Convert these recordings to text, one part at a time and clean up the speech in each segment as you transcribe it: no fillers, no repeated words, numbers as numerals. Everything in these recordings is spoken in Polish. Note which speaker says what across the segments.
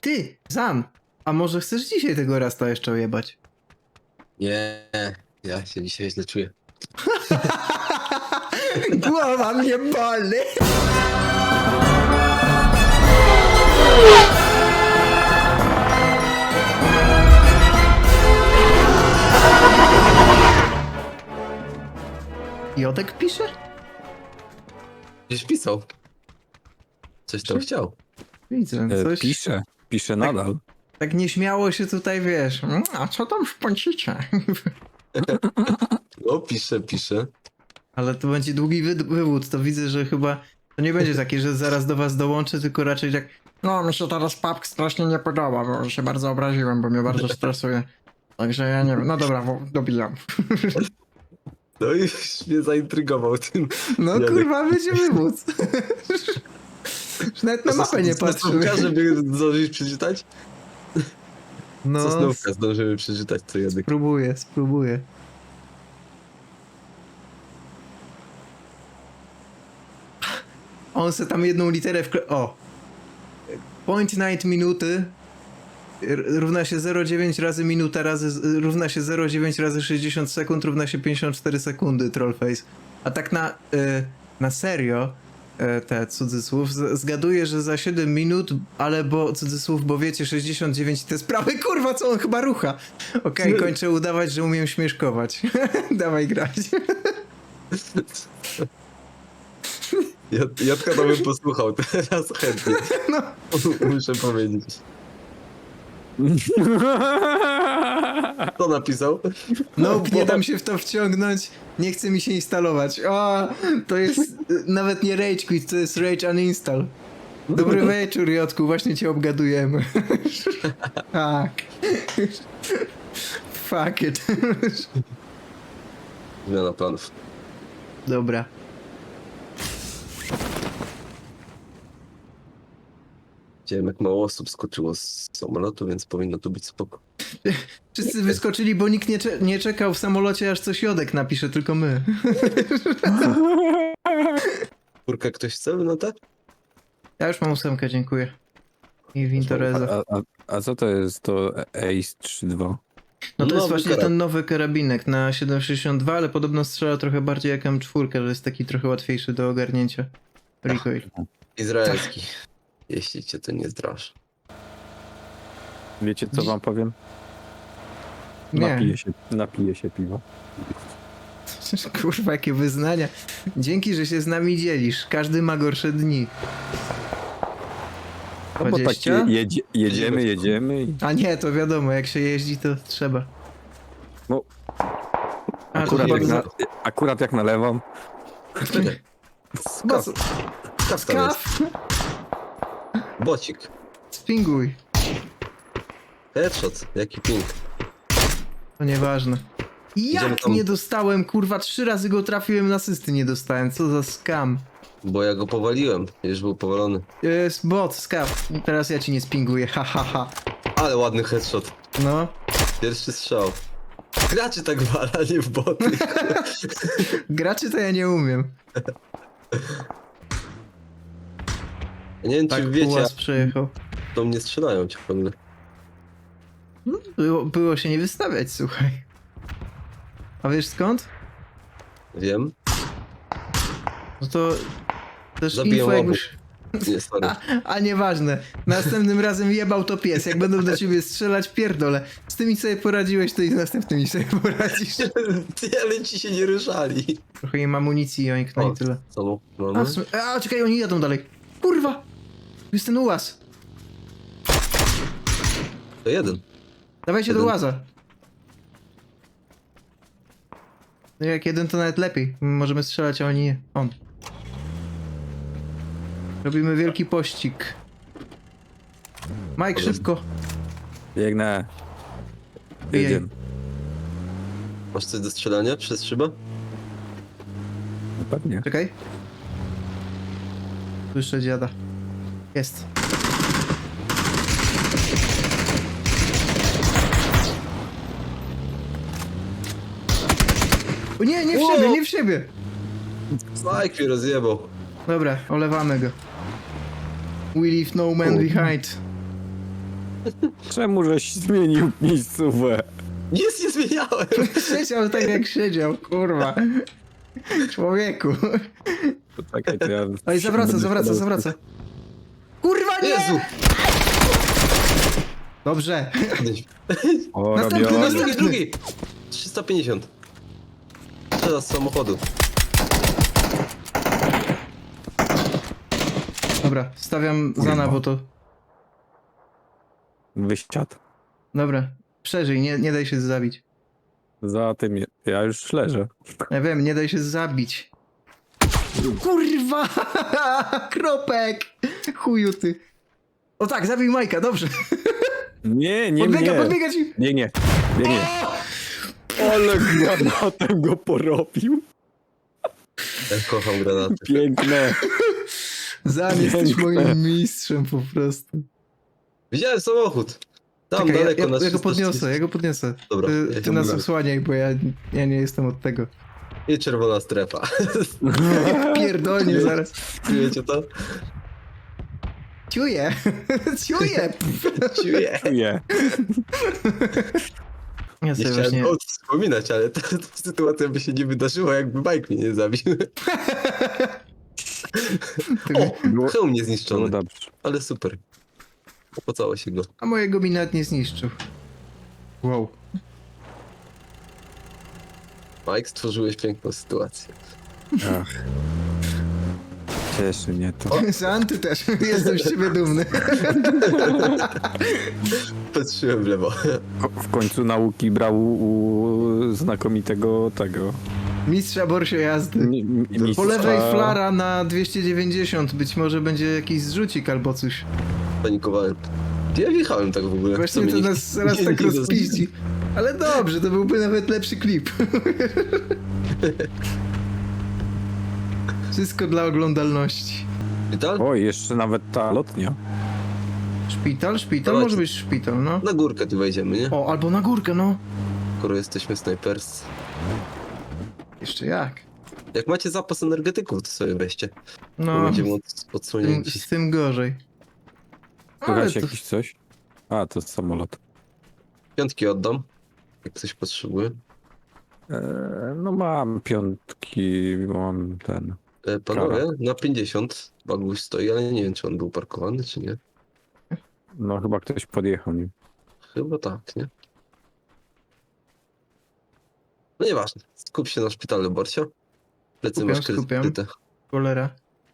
Speaker 1: Ty, Zan, a może chcesz dzisiaj tego Rasta jeszcze ojebać?
Speaker 2: Nie, ja się dzisiaj źle czuję.
Speaker 1: Głowa mnie boli! Jodek pisze?
Speaker 2: Gdzieś pisał. Coś tam chciał.
Speaker 1: Widzę, coś...
Speaker 3: Pisze nadal.
Speaker 1: Tak nieśmiało się tutaj, wiesz, a co tam w pącicie?
Speaker 2: No, pisze.
Speaker 1: Ale to będzie długi wywód, to widzę, że chyba to nie będzie takie, że zaraz do was dołączę, tylko raczej tak, no mi się teraz PUBG strasznie nie podoba, bo się bardzo obraziłem, bo mnie bardzo stresuje. Także ja nie wiem, no dobra, dobijam.
Speaker 2: No i już mnie zaintrygował tym.
Speaker 1: No
Speaker 2: Janek.
Speaker 1: kurwa, będzie wywód. Już nawet na mapę nie patrzymy.
Speaker 2: Żeby zdążyć przeczytać?
Speaker 1: No,
Speaker 2: Sosnówka zdążymy przeczytać, co Janek.
Speaker 1: spróbuję. On se tam jedną literę O! Point night minuty równa się 0,9 razy minuta równa się 0,9 razy 60 sekund równa się 54 sekundy, trollface. A tak na serio, te cudzysłów, zgaduję, że za 7 minut, ale bo cudzysłów, bo wiecie, 69 te sprawy, kurwa, co on chyba rucha. Okej, kończę udawać, że umiem śmieszkować. Dawaj grać.
Speaker 2: Jadka to bym posłuchał teraz chętnie.
Speaker 1: No.
Speaker 2: Muszę powiedzieć. Co napisał?
Speaker 1: No, nie dam się w to wciągnąć, nie chce mi się instalować. O, to jest nawet nie Rage Quit, to jest Rage Uninstall. Dobry wieczór, Jotku, właśnie cię obgadujemy. Tak. Fuck it.
Speaker 2: Zmiana planów.
Speaker 1: Dobra.
Speaker 2: Widziałem, jak mało osób skoczyło z samolotu, więc powinno tu być spoko.
Speaker 1: Wszyscy wyskoczyli, bo nikt nie czekał w samolocie, aż coś Jodek napisze, tylko my.
Speaker 2: Kurka, ktoś chce lunatę?
Speaker 1: Ja już mam 8, dziękuję. I Wintoreza.
Speaker 3: A co to jest to Ace 3.2?
Speaker 1: No to jest
Speaker 2: Nowy
Speaker 1: właśnie
Speaker 2: karabin.
Speaker 1: ten nowy karabinek na 7,62, ale podobno strzela trochę bardziej jak M4, że jest taki trochę łatwiejszy do ogarnięcia. Recoil.
Speaker 2: Izraelski. Jeśli cię to nie zdrasz.
Speaker 3: Wiecie co wam powiem?
Speaker 1: Nie.
Speaker 3: Napiję się piwa.
Speaker 1: Kurwa, jakie wyznania. Dzięki, że się z nami dzielisz. Każdy ma gorsze dni.
Speaker 3: No bo tak
Speaker 1: 20?
Speaker 3: jedziemy i...
Speaker 1: A nie, to wiadomo, jak się jeździ, to trzeba.
Speaker 3: No,
Speaker 1: A,
Speaker 3: akurat,
Speaker 1: to
Speaker 3: jak
Speaker 1: chyba...
Speaker 3: akurat jak nalewam.
Speaker 1: Skaf.
Speaker 2: Skaf tam jest.
Speaker 1: Skaf.
Speaker 2: Bocik.
Speaker 1: Spinguj.
Speaker 2: Headshot. Jaki ping.
Speaker 1: To nieważne.
Speaker 2: Idziemy
Speaker 1: Jak
Speaker 2: tam.
Speaker 1: nie dostałem, kurwa, 3 razy go trafiłem, na asysty nie dostałem. Co za skam.
Speaker 2: Bo ja go powaliłem. Już był powalony.
Speaker 1: Jest bot, skaf. Teraz ja ci nie spinguję, ha ha ha.
Speaker 2: Ale ładny headshot.
Speaker 1: No.
Speaker 2: Pierwszy strzał. Graczy tak wala, nie w boty.
Speaker 1: Graczy to ja nie umiem.
Speaker 2: Ja nie wiem,
Speaker 1: Tak,
Speaker 2: czy wiecie,
Speaker 1: Pułas przejechał.
Speaker 2: do mnie strzelają ciągle.
Speaker 1: Było się nie wystawiać, słuchaj. A wiesz skąd?
Speaker 2: Wiem.
Speaker 1: No to też
Speaker 2: Zabiję
Speaker 1: info
Speaker 2: obu.
Speaker 1: jakbyś...
Speaker 2: Nie, sorry.
Speaker 1: A nieważne. Następnym razem jebał to pies. Jak będą do ciebie strzelać, pierdolę. Z tymi sobie poradziłeś, to i z następnymi sobie poradzisz.
Speaker 2: Ale ci się nie ruszali.
Speaker 1: Trochę im amunicji i oink, no i tyle.
Speaker 2: Co
Speaker 1: A,
Speaker 2: mamy?
Speaker 1: czekaj, oni jadą dalej. Kurwa! Tu jest ten ułaz.
Speaker 2: To jeden.
Speaker 1: Dawajcie do
Speaker 2: Jeden.
Speaker 1: łaza. No jak jeden to nawet lepiej. Możemy strzelać, a oni nie. On. Robimy wielki pościg. Mike, szybko.
Speaker 3: Biegnę.
Speaker 1: Ej.
Speaker 3: Jedziemy.
Speaker 2: Masz coś do strzelania przez szybę?
Speaker 3: No pewnie.
Speaker 1: Czekaj. Słyszę dziada. Jest. O nie, nie w siebie, nie w siebie.
Speaker 2: Mike mnie rozjebał.
Speaker 1: Dobra, olewamy go. We leave no man behind.
Speaker 3: Czemu żeś zmienił miejscówę?
Speaker 2: Nic nie zmieniałem!
Speaker 1: Siedział tak jak siedział, kurwa. Człowieku.
Speaker 3: Poczekaj, to ja...
Speaker 1: Oj, zawraca. Kurwa, nie!
Speaker 2: Jezu!
Speaker 1: Dobrze.
Speaker 3: O,
Speaker 1: Następny,
Speaker 3: robię...
Speaker 1: następny.
Speaker 2: Drugi! 350. Teraz z samochodu.
Speaker 1: Dobra, stawiam Zana, bo to...
Speaker 3: Wyściad.
Speaker 1: Dobra, przeżyj, nie daj się zabić.
Speaker 3: Za tym ja już leżę.
Speaker 1: Ja wiem, nie daj się zabić. Kurwa! Kropek! Chuju ty. O tak, zabij Majka, dobrze.
Speaker 3: Nie, nie
Speaker 1: Podbiega,
Speaker 3: mnie.
Speaker 1: podbiega ci.
Speaker 3: Nie. Ale granatem go porobił.
Speaker 2: Ja kocham granaty.
Speaker 3: Piękne.
Speaker 1: Zan, jesteś moim mistrzem po prostu.
Speaker 2: Widziałem samochód. Tam
Speaker 1: Czekaj,
Speaker 2: daleko na
Speaker 1: ja go
Speaker 2: 330.
Speaker 1: podniosę.
Speaker 2: Dobra, ja
Speaker 1: Ty
Speaker 2: się
Speaker 1: nas
Speaker 2: mówię.
Speaker 1: osłaniaj, bo ja nie jestem od tego.
Speaker 2: I czerwona strefa.
Speaker 1: Pierdolnie zaraz.
Speaker 2: Wiecie to?
Speaker 1: Ciuję. Ciuję.
Speaker 2: Czuję.
Speaker 3: Czuję.
Speaker 1: Ja
Speaker 2: Nie
Speaker 1: sobie
Speaker 2: chciałem
Speaker 1: właśnie...
Speaker 2: o tym wspominać, ale ta sytuacja by się nie wydarzyła, jakby Mike mnie nie zabił. O! Hełm nie
Speaker 3: No
Speaker 2: zniszczony,
Speaker 3: dobrze.
Speaker 2: ale super. Opłacało się go.
Speaker 1: A mojego mi nawet nie zniszczył. Wow.
Speaker 2: Mike, stworzyłeś piękną sytuację.
Speaker 3: Ach. Cieszy mnie to.
Speaker 1: Zan, ty też. Jestem z ciebie dumny.
Speaker 2: Patrzyłem w lewo.
Speaker 3: W końcu nauki brał u znakomitego tego.
Speaker 1: Mistrza Borsio jazdy. Po lewej flara na 290. Być może będzie jakiś zrzucik albo coś.
Speaker 2: Panikowałem. Ja wjechałem tak w ogóle.
Speaker 1: Właśnie
Speaker 2: mnie
Speaker 1: to
Speaker 2: nie-
Speaker 1: nas zaraz
Speaker 2: nie-
Speaker 1: tak
Speaker 2: nie
Speaker 1: rozpiździ. Ale dobrze, to byłby nawet lepszy klip. Wszystko dla oglądalności.
Speaker 2: Szpital?
Speaker 3: Oj, jeszcze nawet ta lotnia.
Speaker 1: Szpital? Szpital?
Speaker 2: Dawajcie.
Speaker 1: Może być szpital, no.
Speaker 2: Na górkę tu wejdziemy, nie?
Speaker 1: O, albo na górkę, no.
Speaker 2: Skoro jesteśmy snajperscy.
Speaker 1: Jeszcze jak.
Speaker 2: Jak macie zapas energetyków, to sobie weźcie. Bo
Speaker 1: No,
Speaker 2: będziemy
Speaker 1: z
Speaker 2: odsłonięci.
Speaker 1: tym gorzej. Ale
Speaker 3: Słychać
Speaker 1: to,
Speaker 3: jakiś coś? A, to samolot.
Speaker 2: Piątki oddam, jak ktoś potrzebuje.
Speaker 3: No mam piątki, mam ten.
Speaker 2: Panowie, na 50 baguś stoi, ale nie wiem, czy on był parkowany, czy nie.
Speaker 3: No chyba ktoś podjechał nim.
Speaker 2: Chyba tak, nie? No nieważne. Skup się na szpitalu, Borcio. Plecy
Speaker 1: Skupiam,
Speaker 2: masz
Speaker 1: skupiam.
Speaker 2: kryte.
Speaker 1: cholera.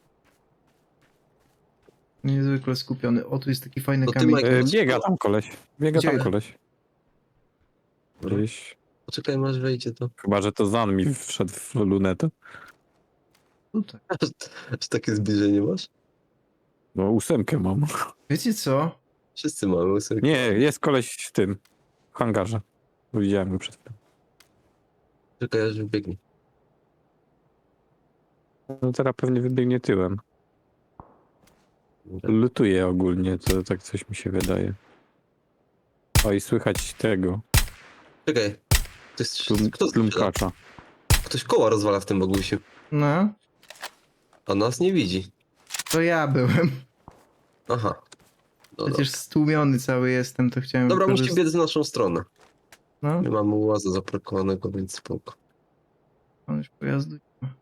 Speaker 1: Niezwykle skupiony. O, tu jest taki fajny
Speaker 2: To ty,
Speaker 1: kamień.
Speaker 2: Mike,
Speaker 3: Biega tam koleś. Biega
Speaker 1: Gdzie?
Speaker 3: tam koleś. Gdzieś.
Speaker 2: Poczekaj, masz wejdzie to.
Speaker 3: Chyba, że to Zan mi wszedł w lunetę.
Speaker 1: Tutaj.
Speaker 2: Aż takie zbliżenie masz?
Speaker 3: No 8 mam.
Speaker 1: Wiecie co?
Speaker 2: Wszyscy mamy łysy.
Speaker 3: Nie, jest koleś w tym. W hangarze. Widziałem go przed chwilą.
Speaker 2: Czekaj, aż wybiegnie.
Speaker 3: No teraz pewnie wybiegnie tyłem. Lutuje ogólnie, to tak coś mi się wydaje. O i słychać tego.
Speaker 2: Czekaj. Kto strzela?
Speaker 3: Plumkacza.
Speaker 2: Ktoś koła rozwala w tym bagusiu.
Speaker 1: No,
Speaker 2: A nas nie widzi.
Speaker 1: to ja byłem.
Speaker 2: Aha. No
Speaker 1: Przecież stłumiony cały jestem, to chciałem
Speaker 2: dobra, musicie
Speaker 1: wykorzystać.
Speaker 2: biec w naszą stronę.
Speaker 1: No,
Speaker 2: My mamy łaza zaparkowanego, więc spoko.
Speaker 1: on już pojazdu nie ma.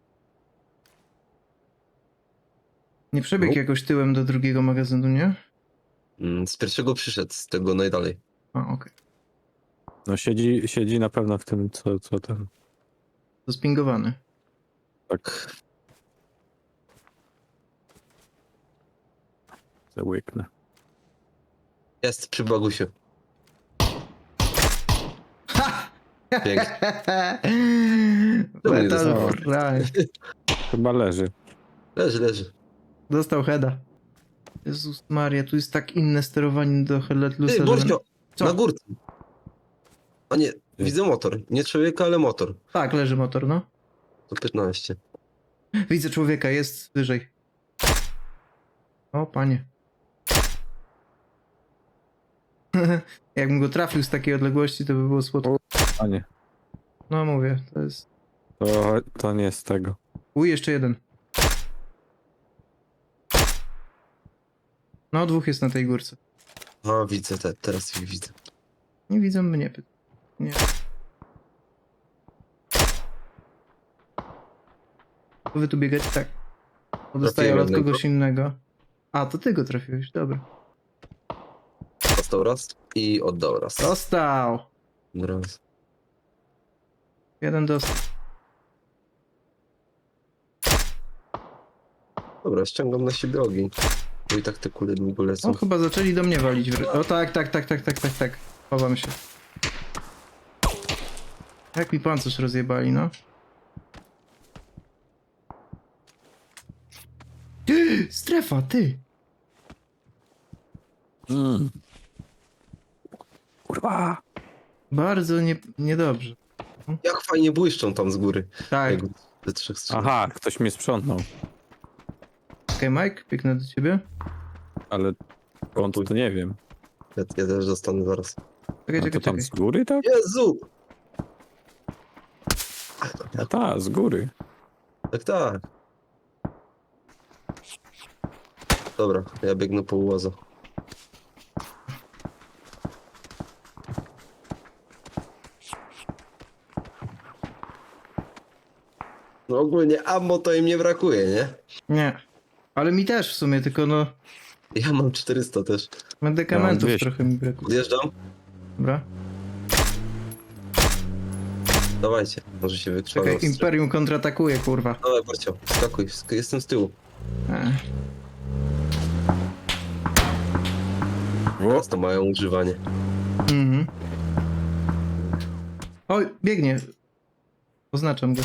Speaker 1: Nie przebiegł
Speaker 2: No.
Speaker 1: jakoś tyłem do drugiego magazynu, nie?
Speaker 2: Z pierwszego przyszedł, z tego najdalej.
Speaker 1: A, okej.
Speaker 3: No siedzi na pewno w tym, co ten.
Speaker 1: To spingowany.
Speaker 2: Tak.
Speaker 3: Załyknę.
Speaker 2: Jest przy bagusiu. Pięknie.
Speaker 1: Metal
Speaker 2: dostał?
Speaker 1: Fry.
Speaker 3: Chyba leży.
Speaker 2: Leży.
Speaker 1: Dostał heada. Jezus Maria, tu jest tak inne sterowanie do Headletlusa,
Speaker 2: Ty,
Speaker 1: że...
Speaker 2: Borcio!
Speaker 1: Co?
Speaker 2: Na górce. A nie, widzę motor. Nie człowieka, ale motor.
Speaker 1: Tak, leży motor, no.
Speaker 2: To 15.
Speaker 1: Widzę człowieka, jest wyżej. O, panie. Jakbym go trafił z takiej odległości, to by było słodko.
Speaker 3: A nie.
Speaker 1: No mówię, to jest...
Speaker 3: To nie z tego.
Speaker 1: Jeszcze jeden. No, dwóch jest na tej górce.
Speaker 2: A, widzę, teraz ich widzę.
Speaker 1: Nie widzą mnie. Nie. Wy tu biegać? Tak. Bo dostaję
Speaker 2: Trafiłem
Speaker 1: od
Speaker 2: jednego.
Speaker 1: kogoś innego. A, to ty go trafiłeś, dobra.
Speaker 2: Dostał raz i oddał raz.
Speaker 1: Dostał!
Speaker 2: Raz.
Speaker 1: Jeden dostał.
Speaker 2: Dobra, ściągam na siebie ogień. Bo i tak te kule długo lecą.
Speaker 1: O, chyba zaczęli do mnie walić. O tak. Chowam się. Jak mi pancerz rozjebali, no. Strefa, ty!
Speaker 3: Kurwa!
Speaker 1: Bardzo niedobrze.
Speaker 2: Jak fajnie błyszczą tam z góry.
Speaker 1: Tak.
Speaker 2: Jak ze 3 strzał.
Speaker 3: Aha, ktoś mnie sprzątnął.
Speaker 1: Okej, Mike, biegnę do ciebie.
Speaker 3: Ale skąd to nie wiem.
Speaker 2: Ja też dostanę zaraz.
Speaker 1: Czekaj,
Speaker 3: A to tam
Speaker 1: czekaj.
Speaker 3: z góry, tak?
Speaker 2: Jezu!
Speaker 3: A ta, z góry.
Speaker 2: Tak. Dobra, ja biegnę po łaza. No ogólnie ammo to im nie brakuje, nie?
Speaker 1: Nie. Ale mi też w sumie, tylko no...
Speaker 2: Ja mam 400 też.
Speaker 1: Medykamentów
Speaker 3: 200.
Speaker 1: trochę mi brakuje.
Speaker 2: Odjeżdżam?
Speaker 1: Dobra.
Speaker 2: Dawajcie, może się wykrwawią.
Speaker 1: Czekaj, Imperium kontratakuje, kurwa.
Speaker 2: Dawaj, Barcio, skakuj, jestem z tyłu. Teraz to mają używanie.
Speaker 1: Mhm. Oj, biegnie. Oznaczam go.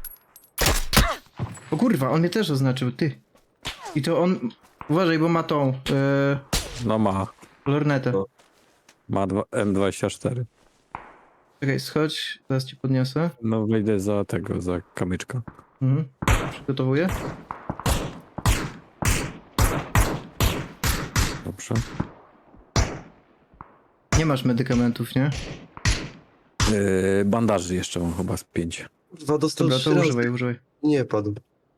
Speaker 1: O kurwa, on mnie też oznaczył, ty. I to on... Uważaj, bo ma tą...
Speaker 3: No ma.
Speaker 1: lornetę.
Speaker 2: No.
Speaker 3: Ma M24.
Speaker 1: Czekaj, schodź, zaraz ci podniosę.
Speaker 3: No wejdę za tego, za kamyczka.
Speaker 1: Mhm. Przygotowuję.
Speaker 3: Dobrze.
Speaker 1: Nie masz medykamentów, nie?
Speaker 3: Bandaży jeszcze mam chyba z 5.
Speaker 2: Kurwa, dostał
Speaker 1: Dobra,
Speaker 2: 3
Speaker 1: to
Speaker 2: razy.
Speaker 1: używaj.
Speaker 2: Nie padł.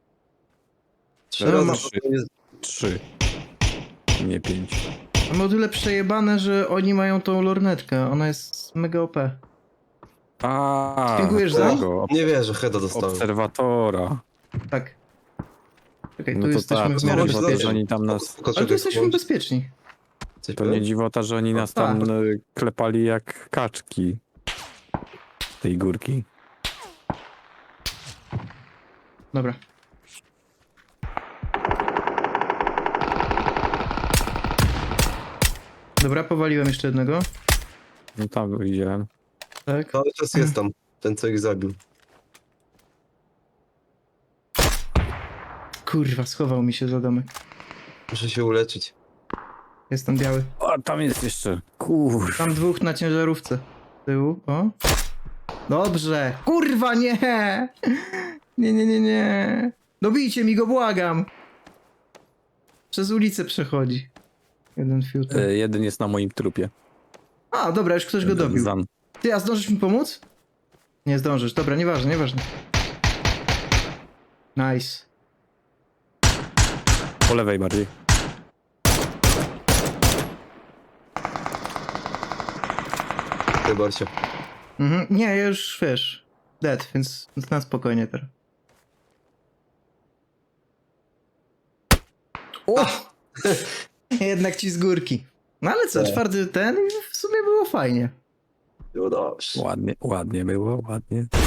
Speaker 2: 3
Speaker 1: No,
Speaker 2: razy.
Speaker 1: ma-
Speaker 2: to jest-
Speaker 3: 3. Nie 5.
Speaker 1: Mam o tyle przejebane, że oni mają tą lornetkę. Ona jest mega OP.
Speaker 3: A,
Speaker 1: Spinkujesz za?
Speaker 3: tego,
Speaker 2: Nie wierzę, heada dostałem.
Speaker 3: obserwatora.
Speaker 1: Tak. Czekaj,
Speaker 3: No
Speaker 1: tu
Speaker 3: to
Speaker 1: jesteśmy
Speaker 3: tak,
Speaker 1: w miarę
Speaker 2: to
Speaker 3: dziwota,
Speaker 1: bezpieczni.
Speaker 3: że oni tam nas...
Speaker 2: Spoko,
Speaker 1: Ale tu
Speaker 2: czekaj,
Speaker 1: jesteśmy
Speaker 2: włącz-
Speaker 1: bezpieczni.
Speaker 2: coś
Speaker 3: To nie
Speaker 2: powiem?
Speaker 3: dziwota, że oni nas
Speaker 1: tak.
Speaker 3: tam klepali jak kaczki. Z tej górki.
Speaker 1: Dobra. Dobra, powaliłem jeszcze jednego.
Speaker 3: No tam widziałem.
Speaker 1: Tak.
Speaker 2: Cały czas jest tam, ten co ich zabił.
Speaker 1: Kurwa, schował mi się za domek.
Speaker 2: Muszę się uleczyć.
Speaker 1: Jest tam biały.
Speaker 3: O, tam jest jeszcze. Kur...
Speaker 1: Tam dwóch na ciężarówce. Z tyłu, o. Dobrze. Kurwa, nie! Nie. Dobijcie mi go, błagam. Przez ulicę przechodzi. Jeden fiuta.
Speaker 3: Jeden jest na moim trupie.
Speaker 1: A, dobra, już ktoś go dobił.
Speaker 3: Zan.
Speaker 1: Ty, a zdążysz mi pomóc? Nie zdążysz. Dobra, nieważne. Nice.
Speaker 3: Po lewej bardziej.
Speaker 2: Ty, Barcio.
Speaker 1: Mhm. Nie, ja już wiesz. Dead, więc na spokojnie teraz. O! Jednak ci z górki. No ale co,
Speaker 2: Tak.
Speaker 1: czwarty ten i w sumie było fajnie.
Speaker 2: Było dobrze.
Speaker 3: Ładnie było, ładnie.